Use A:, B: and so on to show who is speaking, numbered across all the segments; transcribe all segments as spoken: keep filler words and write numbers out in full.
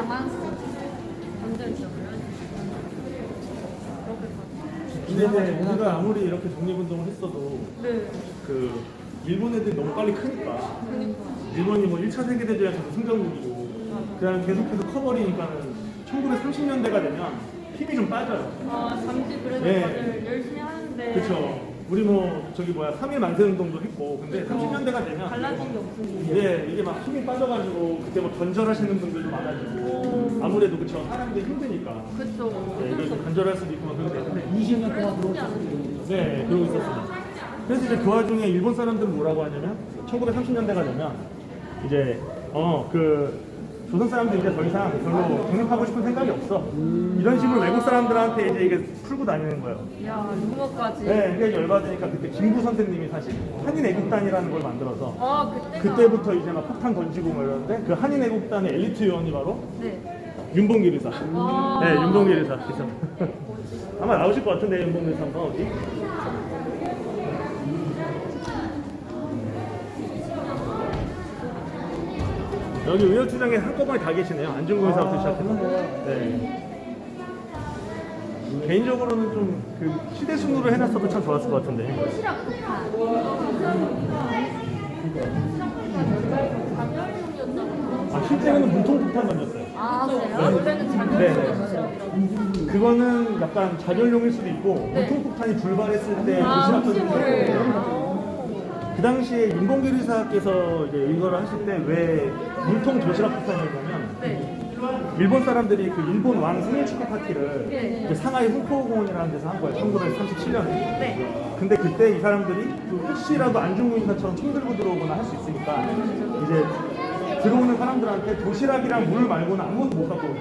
A: 강만수 전쟁이죠.
B: 근데 이제 우리가 아무리 이렇게 독립운동을 했어도
A: 네.
B: 그 일본 애들이 너무 빨리 크니까
A: 그러니까.
B: 일본이 뭐 일 차 세계대전에서도 승전국이고 그다음에 계속해서 커버리니까는 천구백삼십 년대가 되면 힘이 좀 빠져요.
A: 아 잠시 그래도
B: 네.
A: 다들 열심히 하는데.
B: 그렇죠. 우리 뭐 저기 뭐야 삼 일 만세운동도 했고 근데 삼십 년대가 되면
A: 달라진 게 없으니.
B: 예, 이게 막 힘이 빠져가지고 그때 뭐 건절하시는 분들도 많아지고 아무래도 그쵸 사람들이 힘드니까
A: 그쵸.
B: 네,
A: 어쩔 수
B: 이걸
A: 없어.
B: 간절할 수도 있고 막 그러기 때문에
C: 이십 년
A: 그래서
C: 동안
A: 쉽지
C: 그러고
A: 않은데.
B: 네 그러고 있었습니다. 그래서 이제 그 와중에 일본 사람들은 뭐라고 하냐면 천구백삼십 년대가 되면 이제 어 그 조선 사람들 이제 더 이상 별로 독립하고 싶은 생각이 없어 이런 식으로 외국 사람들한테 이제 이게 풀고 다니는 거예요.
A: 야 유머까지.
B: 네, 그게 열받으니까 그때 김구 선생님이 사실 한인 애국단이라는 걸 만들어서
A: 아 그때가.
B: 그때부터 이제 막 폭탄 던지고 뭐 이러는데 그 한인 애국단의 엘리트 요원이 바로
A: 네.
B: 윤봉길 의사.
A: 아.
B: 네, 윤봉길 의사. 그래서 아마 나오실 것 같은데 윤봉길 의사 한번 어디? 여기 의협주장에 한꺼번에 다 계시네요. 안중근 의사부터 시작해서. 네. 개인적으로는 좀 그 시대 순으로 해놨어도 참 좋았을 것 같은데. 아 실제로는 문통폭탄 던졌어요.
A: 아 그래요? 원래는
B: 네.
A: 자녀.
B: 그거는 약간 자결용일 수도 있고
A: 네.
B: 문통폭탄이 불발했을 때
A: 아
B: 도시락
A: 혹시
B: 던지는
A: 모를.
B: 거예요. 그 당시에 윤봉길 의사께서 이제 이거를 하실 때 왜 물통 도시락 폭탄이었냐면
A: 네.
B: 일본 사람들이 그 일본 왕 생일 축하 파티를
A: 네.
B: 이제 상하이 홍포공원이라는 데서 한 거예요. 천구백삼십칠 년에.
A: 네.
B: 근데 그때 이 사람들이 그 혹시라도 안중근 의사처럼 총 들고 들어오거나 할 수 있으니까 이제 들어오는 사람들한테 도시락이랑 물 말고는 아무것도 못 갖고 오고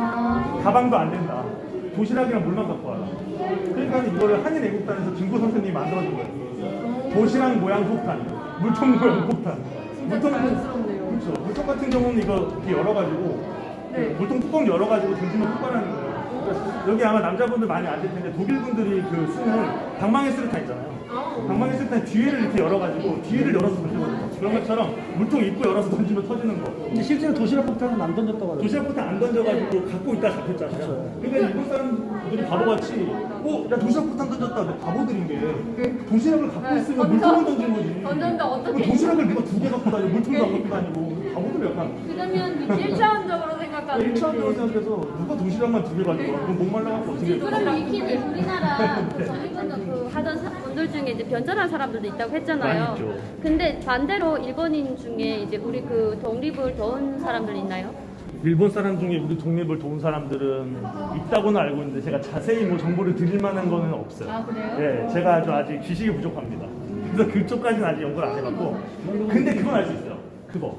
A: 아.
B: 가방도 안 된다. 도시락이랑 물만 갖고 와라. 그러니까 이거를 한인 애국단에서 김구 선생님이 만들어준 거예요. 도시락 모양 폭탄, 물통 모양 폭탄. 물통
A: 자연스럽네요.
B: 그렇죠. 물통 같은 경우는 이거 이렇게 열어가지고
A: 네.
B: 물통 뚜껑 열어가지고 던지면 폭발하는 거예요. 그러니까 여기 아마 남자분들 많이 아실 텐데 독일 분들이 그 쓰는 방망이 수류탄 있잖아요. 방망이 수류탄 뒤에를 이렇게 열어가지고 뒤에를 열어서 던지거든요. 그런 것처럼 물통 입구 열어서 던지면 터지는 거.
C: 근데 실제로 도시락 폭탄은 안 던졌다고 하더라고요.
B: 도시락 폭탄 안 던져가지고 갖고 있다 잡혔잖아요. 그러니까 일본 사람들이 바보같이 어? 야 도시락 폭탄 던졌다. 근데 바보들인 게 도시락을 갖고
A: 네,
B: 있으면
A: 던져-
B: 물통을 던진 거지.
A: 던졌는데 어떻게-
B: 그럼 도시락을 내가 두 개 갖고 다니고 물통도 안 갖고 다니고 바보들 약간
A: 그러면 일 차원적으로 생각하는.
B: 일 차원적으로 생각해서 누가 도시락만 두 개 가지고 와? 그럼 목 말라갖고 어떻게 해?
D: 그럼 위키는 우리나라 그 독립운동 그 하던 사- 분들 중에 이제 변절한 사람들도 있다고 했잖아요.
B: 많이 있죠.
D: 근데 반대로 일본인 중에 이제 우리 그 독립을 도운 사람들 있나요?
B: 일본 사람 중에 우리 독립을 도운 사람들은 있다고는 알고 있는데 제가 자세히 뭐 정보를 드릴 만한 거는 없어요.
A: 아, 그래요?
B: 예, 제가 아주 아직 지식이 부족합니다. 그래서 그쪽까지는 아직 연구를 안 해봤고, 근데 그건 알 수 있어요. 그거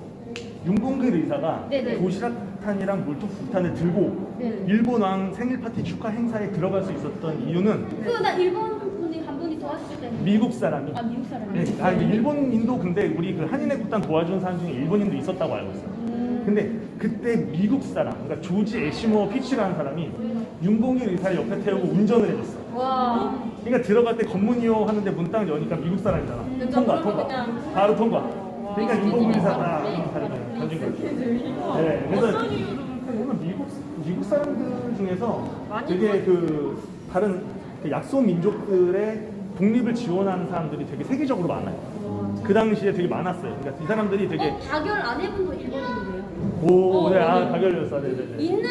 B: 윤봉길 의사가
D: 네네.
B: 도시락탄이랑 물통폭탄을 들고
D: 네.
B: 일본 왕 생일 파티 축하 행사에 들어갈 수 있었던 이유는
D: 그나 일본 분이 한 분이 도와주실 때문에.
B: 미국 사람이
D: 아 미국 사람이.
B: 네, 아, 이게 일본인도 근데 우리 그 한인애국단 도와준 사람 중에 일본인도 있었다고 알고 있어요. 근데 그때 미국 사람, 그러니까 조지 애시모어 피치라는 사람이 윤봉길 의사를 옆에 태우고 운전을 해줬어.
A: 와.
B: 그러니까 들어갈 때 검문이요 하는데 문 딱 여니까 미국 사람이잖아.
A: 그러니까
B: 통과,
A: 그러면
B: 통과.
A: 그냥-
B: 바로 통과. 그러니까 윤봉길 의사가 던진 거지. 네, 그래서
A: 어떤 이유로
B: 보면 미국 미국 사람들 중에서
A: 많이
B: 되게 그 다른 그 약소 민족들의 독립을 지원하는 사람들이 되게 세계적으로 많아요. 그 당시에 되게 많았어요. 그러니까 이 사람들이 되게
D: 어, 가결 안 해본 분 일본인이에요.
B: 오, 네, 아, 가결렸어, 네, 네, 네.
D: 있네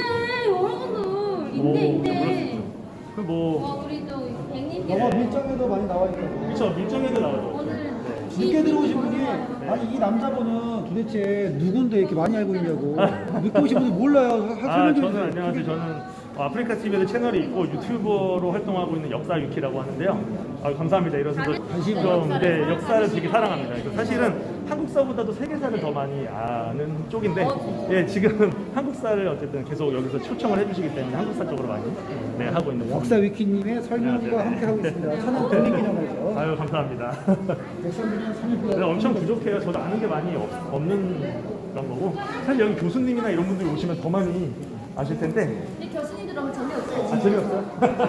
D: 여러분들 있네 있네.
B: 그 뭐,
D: 어 우리 또 백님
C: 영화 밀정에도 많이 나와 있다고.
B: 그쵸, 밀정에도 나오죠.
D: 오늘
C: 늦게 들어오신 분이 아니 이 남자분은 도대체 누군데 이렇게 많이 알고 있냐고. 늦게 오신 분이 몰라요. 하-
B: 아,
C: 설명 좀
B: 저는
C: 해주세요.
B: 안녕하세요. 저는 어, 아프리카 티비에도 채널이 있고 유튜버로 활동하고 있는 역사 유키라고 하는데요. 아, 감사합니다. 이래서
C: 관심
B: 좀 네, 역사를 되게 사랑합니다. 그래서 사실은 한국사보다도 세계사를 더 많이 아는 쪽인데, 예, 지금 한국사를 어쨌든 계속 여기서 초청을 해주시기 때문에 한국사 쪽으로 많이 네, 하고 있는 거.
C: 역사 위키님의 설명과 함께 하고 있습니다. 천안 독립기념회에서.
B: 아유, 감사합니다.
C: 백성들은 삼일
B: 근데 엄청 부족해요. 저도 아는 게 많이 없, 없는 그런 거고. 사실 여기 교수님이나 이런 분들이 오시면 더 많이 아실 텐데.
D: 근데 교수님들 너무 재미없어요.
B: 아, 재미없어요?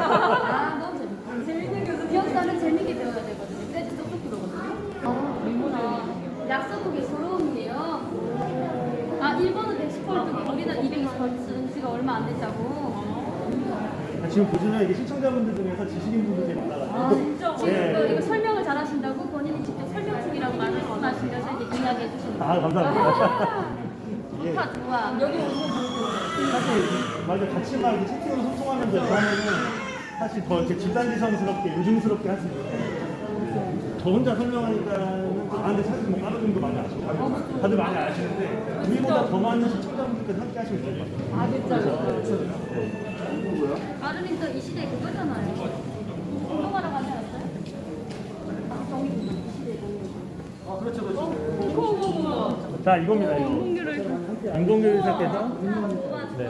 D: 아 너무 재밌다. 재밌는 교수. 역사는 재밌게 배워야 되거든요. 그래도 똑똑 들어거든요. 아 그렇구나. 약소국의 서러움이에요. 아 일본은 백십 퍼센트 우리나라 우리는 이백이십 벌쓴 지가 얼마 안 됐다고.
B: 아, 지금 보시면 이게 시청자분들 중에서 지식인 분들이 많아가지고.
D: 아, 진짜? 지금
B: 네.
D: 그 이거 설명을 잘 하신다고 본인이 직접 설명 중이라고 말씀하시면서 이제 이야기해 주시는 거예요.
B: 아, 감사합니다. 이게
D: 좋다, 좋아. 여기
B: 사실 맞아 같이 막 이렇게 채팅으로 소통하면서 이렇게 하면은 사실 더 이렇게 집단지성스럽게 요즘스럽게 할 수 있는데 저 혼자 설명하니까는 또, 아 근데 사실 뭐 다른 분도 많이 아시고 다들, 다들 많이 아시는데 우리보다 더 많은 시청자분들께서 함께 하시면 좋을 것 같아요.
D: 아, 진짜.
B: 네.
D: 아르님도 이 시대 그거잖아요. 운동하러 가지 않았어요? 아, 정이 이 시대
C: 아 그렇죠 그렇죠.
B: 자 이겁니다 이거. 인공교육 사께서 네.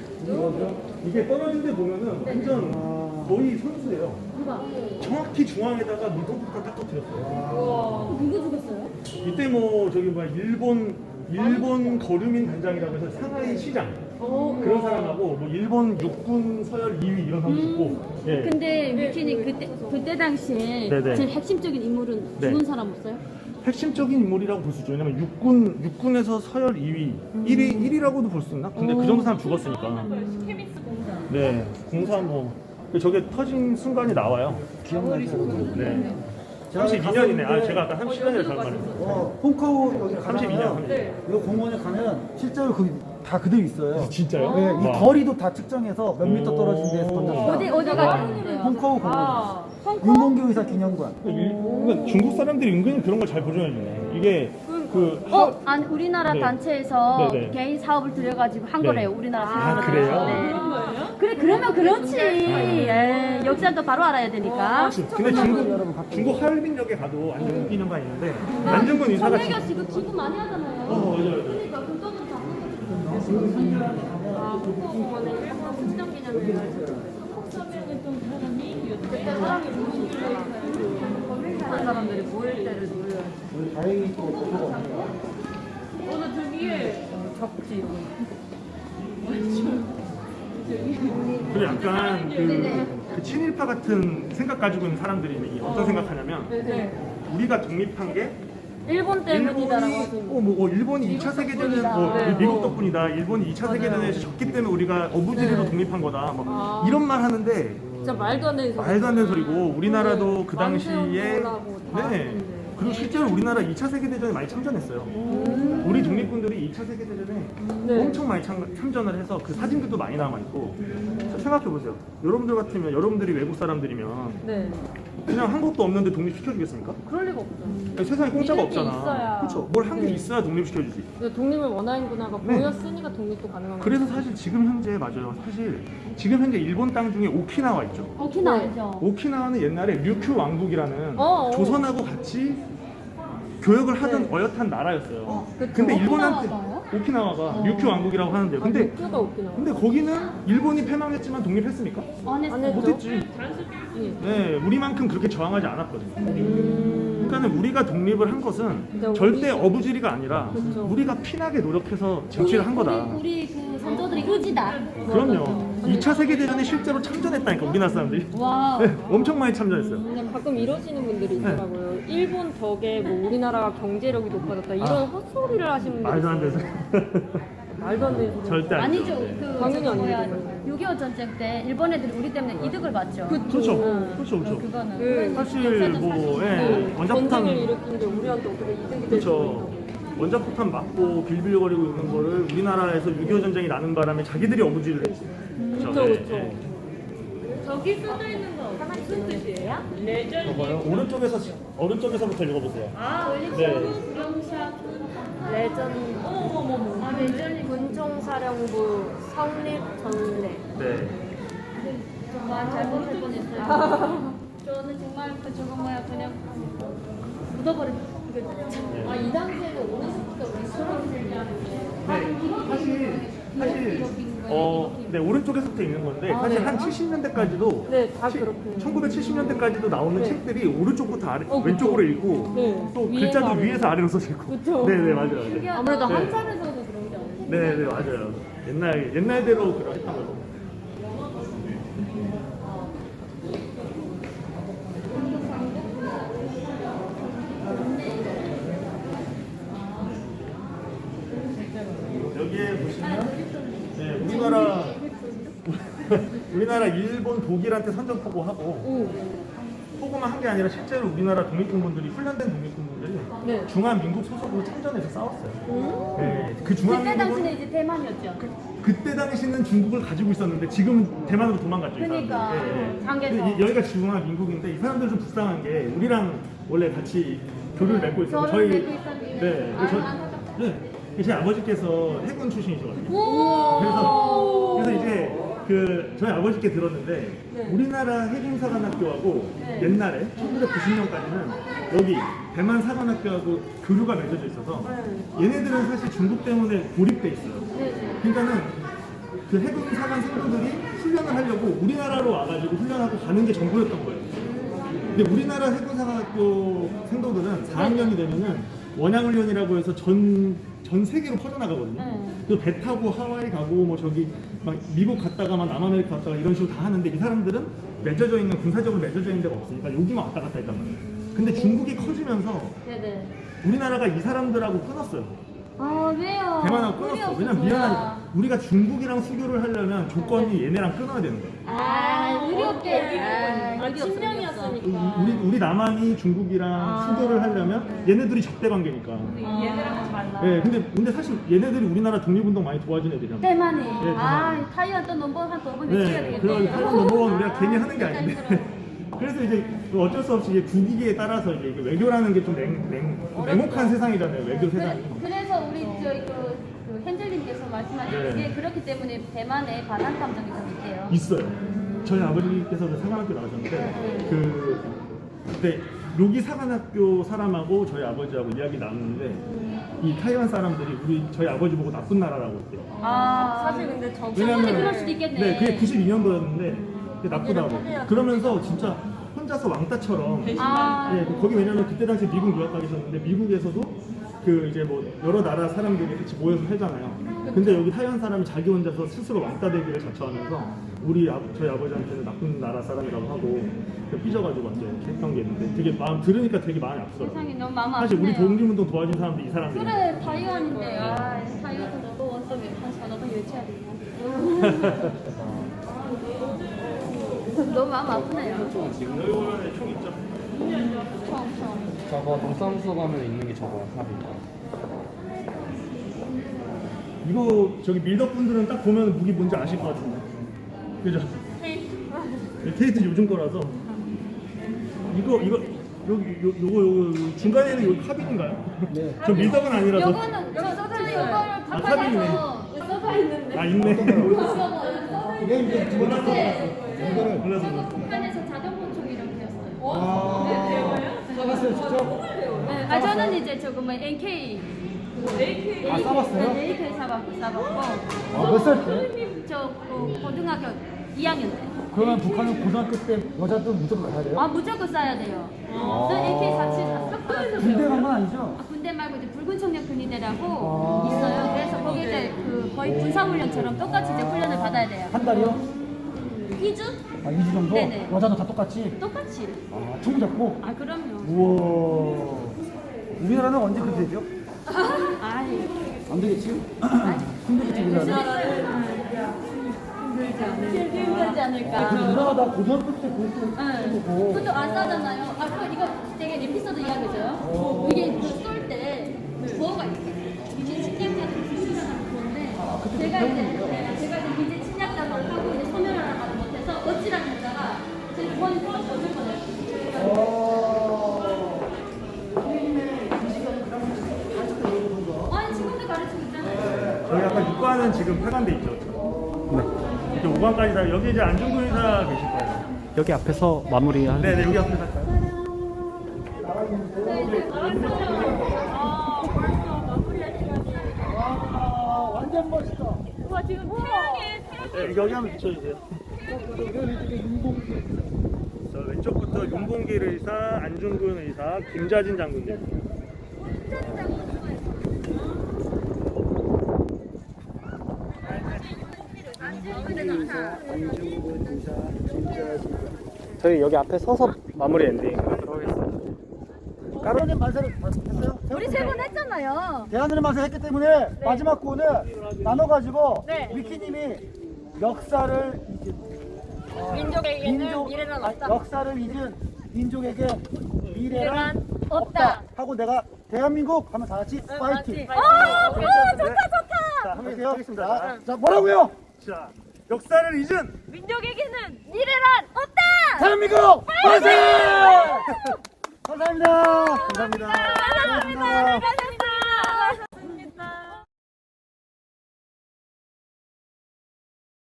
B: 이게 떨어진 데 보면은 완전 거의 선수예요. 정확히 중앙에다가 물동폭탄 딱 터뜨렸어요.
D: 누구 죽었어요?
B: 이때 뭐 저기 뭐야 일본 일본 거류민 단장이라고 해서 상하이 시장 그런 사람하고 뭐 일본 육군 서열 이 위 이런 사람 있고. 예.
D: 근데 미키님 그때 그때 당시에
B: 네네.
D: 제일 핵심적인 인물은
B: 네.
D: 죽은 사람 없어요?
B: 핵심적인 인물이라고 볼 수 있죠. 왜냐면 육군 육군에서 서열 이 위, 일 위 일 위라고도 볼 수 있나? 근데 그 정도 사람 죽었으니까. 네, 공사 뭐 저게 터진 순간이 나와요.
C: 기억나죠?
B: 네. 삼십이 년이네. 아 제가 아까 삼십 년을 잘못 말했어요.
C: 어, 홈카우 여기
B: 삼십이 년.
C: 가면 이 공원에 가면 실제로 그 다 그대로 있어요.
B: 진짜요?
C: 네, 이
B: 와.
C: 거리도 다 측정해서 몇 미터 떨어진 데서 던졌다.
D: 어디 어디가 있는데요?
C: 홈카우 공원.
D: 아, 홍콩?
C: 윤봉규 의사 기념관.
B: 일- 그러니까 중국 사람들이 은근히 그런 걸 잘 보존해주네. 이게 그 하-
D: 어, 아니 우리나라
B: 네.
D: 단체에서
B: 네네.
D: 개인 사업을 들여가지고 한
B: 네.
D: 거래요. 우리나라
B: 아,
D: 사람들.
B: 그래요?
D: 네. 그래 그러면 그렇지. 예, 역사도 바로 알아야 되니까.
B: 근데 중국 중국 하얼빈역에 가도 안중근 기념관 있는데 안중근 의사가
D: 정혜교 씨 그 기부 많이 하잖아요.
B: 어, 맞아요.
D: 그러니까 그 돈은 다 아, 홍콩공원에 일본 수장 기념일. 그때 사람이 한 사람들이 모일 때를 노려야지.
C: 우리 다행히 또 그거가 없네요.
A: 오늘 저기에 적지.
B: 그리고 약간 그, 그 친일파 같은 생각 가지고 있는 사람들이 어떤 생각하냐면
A: 네.
B: 우리가 독립한 게
D: 일본 때문이다라고
B: 일본이
D: 하시는
B: 어, 뭐, 어, 일본이 이 차 세계대전 뭐
A: 네.
B: 미국 덕분이다. 일본이 이 차 세계대전에서 졌기 때문에 우리가 어부지리로 독립한 거다. 뭐 이런 말 하는데
A: 진짜 말도 안 되는 소리.
B: 말도 안 되는 소리고 우리나라도 그 당시에
A: 만세운동하고 다
B: 네
A: 했는데.
B: 그리고 실제로 우리나라 이 차 세계대전에 많이 참전했어요. 우리 독립군들이 이 차 세계대전에
A: 네.
B: 엄청 많이 참, 참전을 해서 그 사진들도 많이 남아있고 생각해 보세요. 여러분들 같으면 여러분들이 외국 사람들이면
A: 네.
B: 그냥 한 것도 없는데 독립시켜주겠습니까?
A: 그럴 리가 없죠.
B: 세상에 공짜가
A: 믿을 게
B: 없잖아.
A: 있어야.
B: 그렇죠. 뭘 한 게
A: 네.
B: 있어야 독립시켜주지.
A: 근데 독립을 원하는구나가
B: 네.
A: 보였으니까 독립도 가능한 거예요.
B: 그래서 사실 지금 현재 맞아요. 사실 지금 현재 일본 땅 중에 오키나와 있죠.
D: 오키나와
A: 네.
D: 알죠?
B: 오키나와는 옛날에 류큐 왕국이라는
A: 어, 어.
B: 조선하고 같이 교역을 하던 어엿한 나라였어요.
A: 그쵸.
B: 근데 일본한테
D: 오키나와가요?
B: 오키나와가 류큐 왕국이라고 하는데요.
A: 아,
B: 근데
A: 육교가 없긴 하고.
B: 근데 거기는 일본이 패망했지만 독립했습니까?
D: 안 했어요.
A: 안 했죠.
B: 못했지.
A: 예.
B: 네, 우리만큼 그렇게 저항하지 않았거든요.
A: 음.
B: 그러니까 우리가 독립을 한 것은
A: 근데
B: 절대
A: 우리-
B: 어부지리가 아니라
A: 그쵸.
B: 우리가 피나게 노력해서 쟁취를 한 거다.
D: 우리, 우리 그 선조들이 의지다.
B: 그럼요. 이 차 세계대전에 실제로 참전했다니까 우리나라 사람들이.
D: 와.
B: 네, 엄청 많이 참전했어요.
A: 그냥 가끔 이러시는 분들이 있더라고요. 일본 덕에 뭐 우리나라가 경제력이 높아졌다 이런
B: 아.
A: 헛소리를 하시는 분들이
B: 말도 안 돼서.
A: 말도 안 되는 소리.
B: 절대 아니죠.
D: 아니죠. 그
A: 당연히
D: 저기 뭐야
A: 아니죠.
D: 육이오 전쟁 때 일본 애들이 우리 때문에 이득을 봤죠.
B: 그렇죠. 그렇죠. 그렇죠.
D: 그거는
A: 그
B: 사실
D: 역사적
B: 뭐
D: 사실이죠.
B: 예,
A: 네,
B: 원자폭탄
A: 전쟁을 일으킨 게 우리한테 어떻게 이득이 될수
B: 그렇죠.
A: 있다고.
B: 원자폭탄 맞고 빌빌거리고 있는 거를 우리나라에서 육이오 전쟁이 나는 바람에 자기들이 어부지를 했지.
A: 그쵸,
B: 네,
A: 그쵸.
B: 네.
A: 저기 써져 있는 거 무슨 뜻이에요? 레전.
B: 봐봐요. 오른쪽에서 오른쪽에서부터 읽어보세요.
A: 아,
B: 네.
A: 레전. 어머머머. 아, 레전이 군총사령부 성립 전례.
B: 네.
D: 정말 잘못할 뻔했어요. 저는 정말 그 저거 뭐야 그냥 묻어버린. 그-
A: 아, 이 당시에는 오른쪽부터 왼쪽으로
B: 네. 사실 사실 어, 네 오른쪽에서부터 읽는 건데 사실
A: 네.
B: 한 칠십 년대까지도
A: 네, 다 그렇군요.
B: 천구백칠십 년대까지도 나오는
A: 네.
B: 책들이 오른쪽부터 아래,
A: 어, 그쵸.
B: 왼쪽으로 읽고
A: 네.
B: 또
A: 위에서
B: 글자도
A: 아래로.
B: 위에서 아래로 써져 있고.
A: 그쵸.
B: 네네 맞아요. 네.
A: 아무래도
B: 네.
A: 한산에서도 그런 게 아니에요.
B: 네네 맞아요. 옛날 옛날대로 그런 했던 거고. 여기에 보시면 네, 우리나라 우리나라 일본 독일한테 선전 포고하고
A: 오.
B: 포고만 한 게 아니라 실제로 우리나라 독립군분들이 훈련된 독립군분들이
A: 네.
B: 중화민국 소속으로 참전해서 싸웠어요.
A: 음.
B: 네, 그
D: 그때
B: 중화민국은
D: 당시는 이제 대만이었죠.
B: 그때 당시는 중국을 가지고 있었는데 지금은 대만으로 도망갔죠. 이
D: 그러니까,
B: 사람들. 예, 예.
D: 장개서.
B: 근데 이- 여기가 중화민국인데 이 사람들 좀 불쌍한 게 우리랑 원래 같이 교류를 맺고 있어요.
D: 결혼을 맺고 있었는데.
B: 네,
D: 아,
B: 저,
D: 안타깝다.
B: 네, 제 아버지께서 해군 출신이셔가지고
A: 오.
B: 그래서 그래서 이제 그 저희 아버지께 들었는데
A: 네.
B: 우리나라 해군사관학교하고
D: 네.
B: 옛날에 천구백구십 년까지는 여기 대만 사관학교하고 교류가 맺어져 있어서
A: 네.
B: 얘네들은 사실 중국 때문에 고립돼 있어요.
D: 네.
B: 그러니까는 그 해군 사관 생도들이 훈련을 하려고 우리나라로 와가지고 훈련하고 가는 게 전부였던 거예요. 근데 우리나라 해군 사관학교 생도들은 사 학년이 되면은 원양 훈련이라고 해서 전, 전 세계로 퍼져나가거든요.
D: 네.
B: 그래서 배 타고 하와이 가고 뭐 저기 막 미국 갔다가 막 남아메리카 갔다가 이런 식으로 다 하는데 이 사람들은 맺어져 있는 군사적으로 맺어져 있는 데가 없으니까 여기만 왔다 갔다 했단 말이에요. 근데 중국이 커지면서
D: 네네.
B: 우리나라가 이 사람들하고 끊었어요.
D: 아 왜요?
B: 대만하고
D: 우리
B: 끊었어.
D: 없어서.
B: 왜냐면 미안하니까 우리가 중국이랑 수교를 하려면 조건이 얘네랑 끊어야 되는 거예요.
D: 아 의리 없게. 아,
A: 아,
D: 의리 없어,
A: 친명이었으니까.
B: 우리 우리 남한이 중국이랑
D: 아.
B: 수교를 하려면 얘네들이 적대 관계니까.
D: 얘네랑 달라.
B: 네, 근데 근데 사실 얘네들이 우리나라 독립운동 많이 도와준 애들이잖아.
D: 대만이.
B: 대만.
D: 아 타이완 또 넘버원 또번 외쳐야
B: 네,
D: 되겠네.
B: 그런 타이완 넘버원 우리가 괜히 하는 게
D: 진짜
B: 아닌데.
D: 힘들어.
B: 그래서 이제 그 어쩔 수 없이 이제 국익에 따라서 이제 이게 외교라는 게 좀 냉, 냉, 냉혹한 세상이잖아요. 외교 세상이.
D: 그래, 그래서 우리 저희 그, 그 헨젤님께서 말씀하신
B: 네.
D: 게 그렇기 때문에 대만에 반한 감정이 좀 있대요.
B: 있어요. 저희 아버지께서 그 사관학교 나오셨는데 그 그때 여기 사관학교 사람하고 저희 아버지하고 이야기 나누는데 이 타이완 사람들이 우리 저희 아버지 보고 나쁜 나라라고 했대요.
D: 아
A: 사실 근데 저
D: 충분히 그럴 수도 있겠네.
B: 네, 그게 구십이 년도였는데 그게 나쁘다고. 그러면서 진짜 혼자서 왕따처럼.
D: 아,
B: 예, 그 거기 왜냐면 그때 당시 미국 유학 가 계셨는데 미국에서도 그 이제 뭐 여러 나라 사람들이 같이 모여서 살잖아요. 근데 여기 타이완 사람이 자기 혼자서 스스로 왕따 되기를 자처하면서 우리 아, 저희 아버지한테는 나쁜 나라 사람이라고 하고 그 삐져가지고 완전 이렇게 했던 게 있는데 되게 마음 들으니까 되게 마음이 아프더라고요.
D: 세상이 너무 마음
B: 사실 우리
D: 아프네요.
B: 독립운동 도와준 사람들 이 사람들이.
D: 그래 타이완인데 아 타이완도 너도 원서 한 너도 외쳐야 되냐. 너무 마음 아프네요.
B: 여기 보면 총 있죠.
D: 처음 처음.
E: 저거 동사무소 가면 있는 게 저거야, 합이.
B: 이거 저기 밀덕 분들은 딱 보면 무기 뭔지 아실 것 같은데. 그죠? 네, 케이트 요즘 거라서. 이거 이거 여기 요, 요거 요거 중간에는 여기 카빈인가요?
C: 네.
B: 저 밀덕은 아니라서.
D: 요거는 저 써져 이거를
B: 아, 카빈이네.
D: 바꿔서 써져 있는데.
B: 아 있네.
C: 이게 이제 두 번째 거. 이거를
B: 몰라서.
D: 저거 북한에서 자동보충 이렇게 했어요.
C: 아, 써봤어요 직접?
D: 네, 아 저는 이제 저거 뭐 엔케이 그
C: 아, 싸봤어요?
D: 네, 에이케이 사봤고 싸봤고
C: 아, 몇 살 때?
D: 저 그, 고등학교 이 학년 때.
C: 그러면 북한은 고등학교 때 여자도 무조건 가야 돼요?
D: 아 무조건 싸야 돼요. 저 에이케이 사십칠 샀어요.
C: 군대 간 건 아니죠?
D: 아, 군대 말고 이제 붉은 청년 군의대라고
C: 아.
D: 있어요. 그래서 거기 이제 그 거의 군사훈련처럼 똑같이 이제 훈련을 받아야 돼요.
C: 한 달이요?
D: 이 주?
C: 아, 이 주 정도?
D: 네네.
C: 여자도 다 똑같이?
D: 똑같이.
C: 아, 총 잡고?
D: 아 그럼요.
C: 우와. 우리나라는 언제 그렇게 되죠?
D: 아이.
C: 안 되겠지? 힘들겠지, 우리나라는.
D: 힘들지 않을까.
C: 그 누나가 나 고등학교 때 그것도
D: 응.
C: 해보고.
D: 그것도 안 싸잖아요. 아, 그거 이거 되게 에피소드 이야기죠. 이게 그쏠때 부어가 있어요. 이제 침략자들이 수술하는 부어인데 제가 이제 네, 제가 이제 이제 침략자를 하고 이제 소멸하러 가지 못해서 어찌라는 했다가 제 부원이 또 어쩔 뻔했어요. 아니 지금도 가르치고 있잖아요.
B: 저희 아까 육 관은 지금 폐관돼 있죠. 네. 이제 오 관까지 다 여기 이제 안중근 의사 계실 거예요.
E: 여기 앞에서 마무리하는
B: 네, 네 여기 앞에 갈까요?
C: 아, 완전 멋있다.
B: 네, 여기 한번 비춰주세요. 저 왼쪽부터 윤봉길 의사, 안중근 의사, 김자진 장군님.
E: 저희 여기 앞에 서서 마무리 엔딩 하도록 하겠습니다.
C: 가로님 만세를 했어요?
D: 우리 세 번 했잖아요.
C: 대한민국 만세 했기 때문에 마지막 구호는 나눠가지고
D: 네.
C: 위키님이 역사를
A: 민족에게는
C: 민족-
A: 미래는
C: 아니,
A: 없다.
C: 역사를 잊은 민족에게 미래란
D: 없다.
C: 하고 내가 대한민국 하면 다 같이 파이팅.
D: 어,
A: 오케이,
D: 어,
A: 좋다.
D: 좋다, 좋다.
B: 자, 한번
C: 할게요.
B: 하겠습니다.
C: 자, 자, 뭐라고요?
B: 자, 역사를 잊은
D: 민족에게는 미래란 없다.
C: 대한민국 만세! 감사합니다.
B: 감사합니다.
D: 감사합니다. 감사합니다.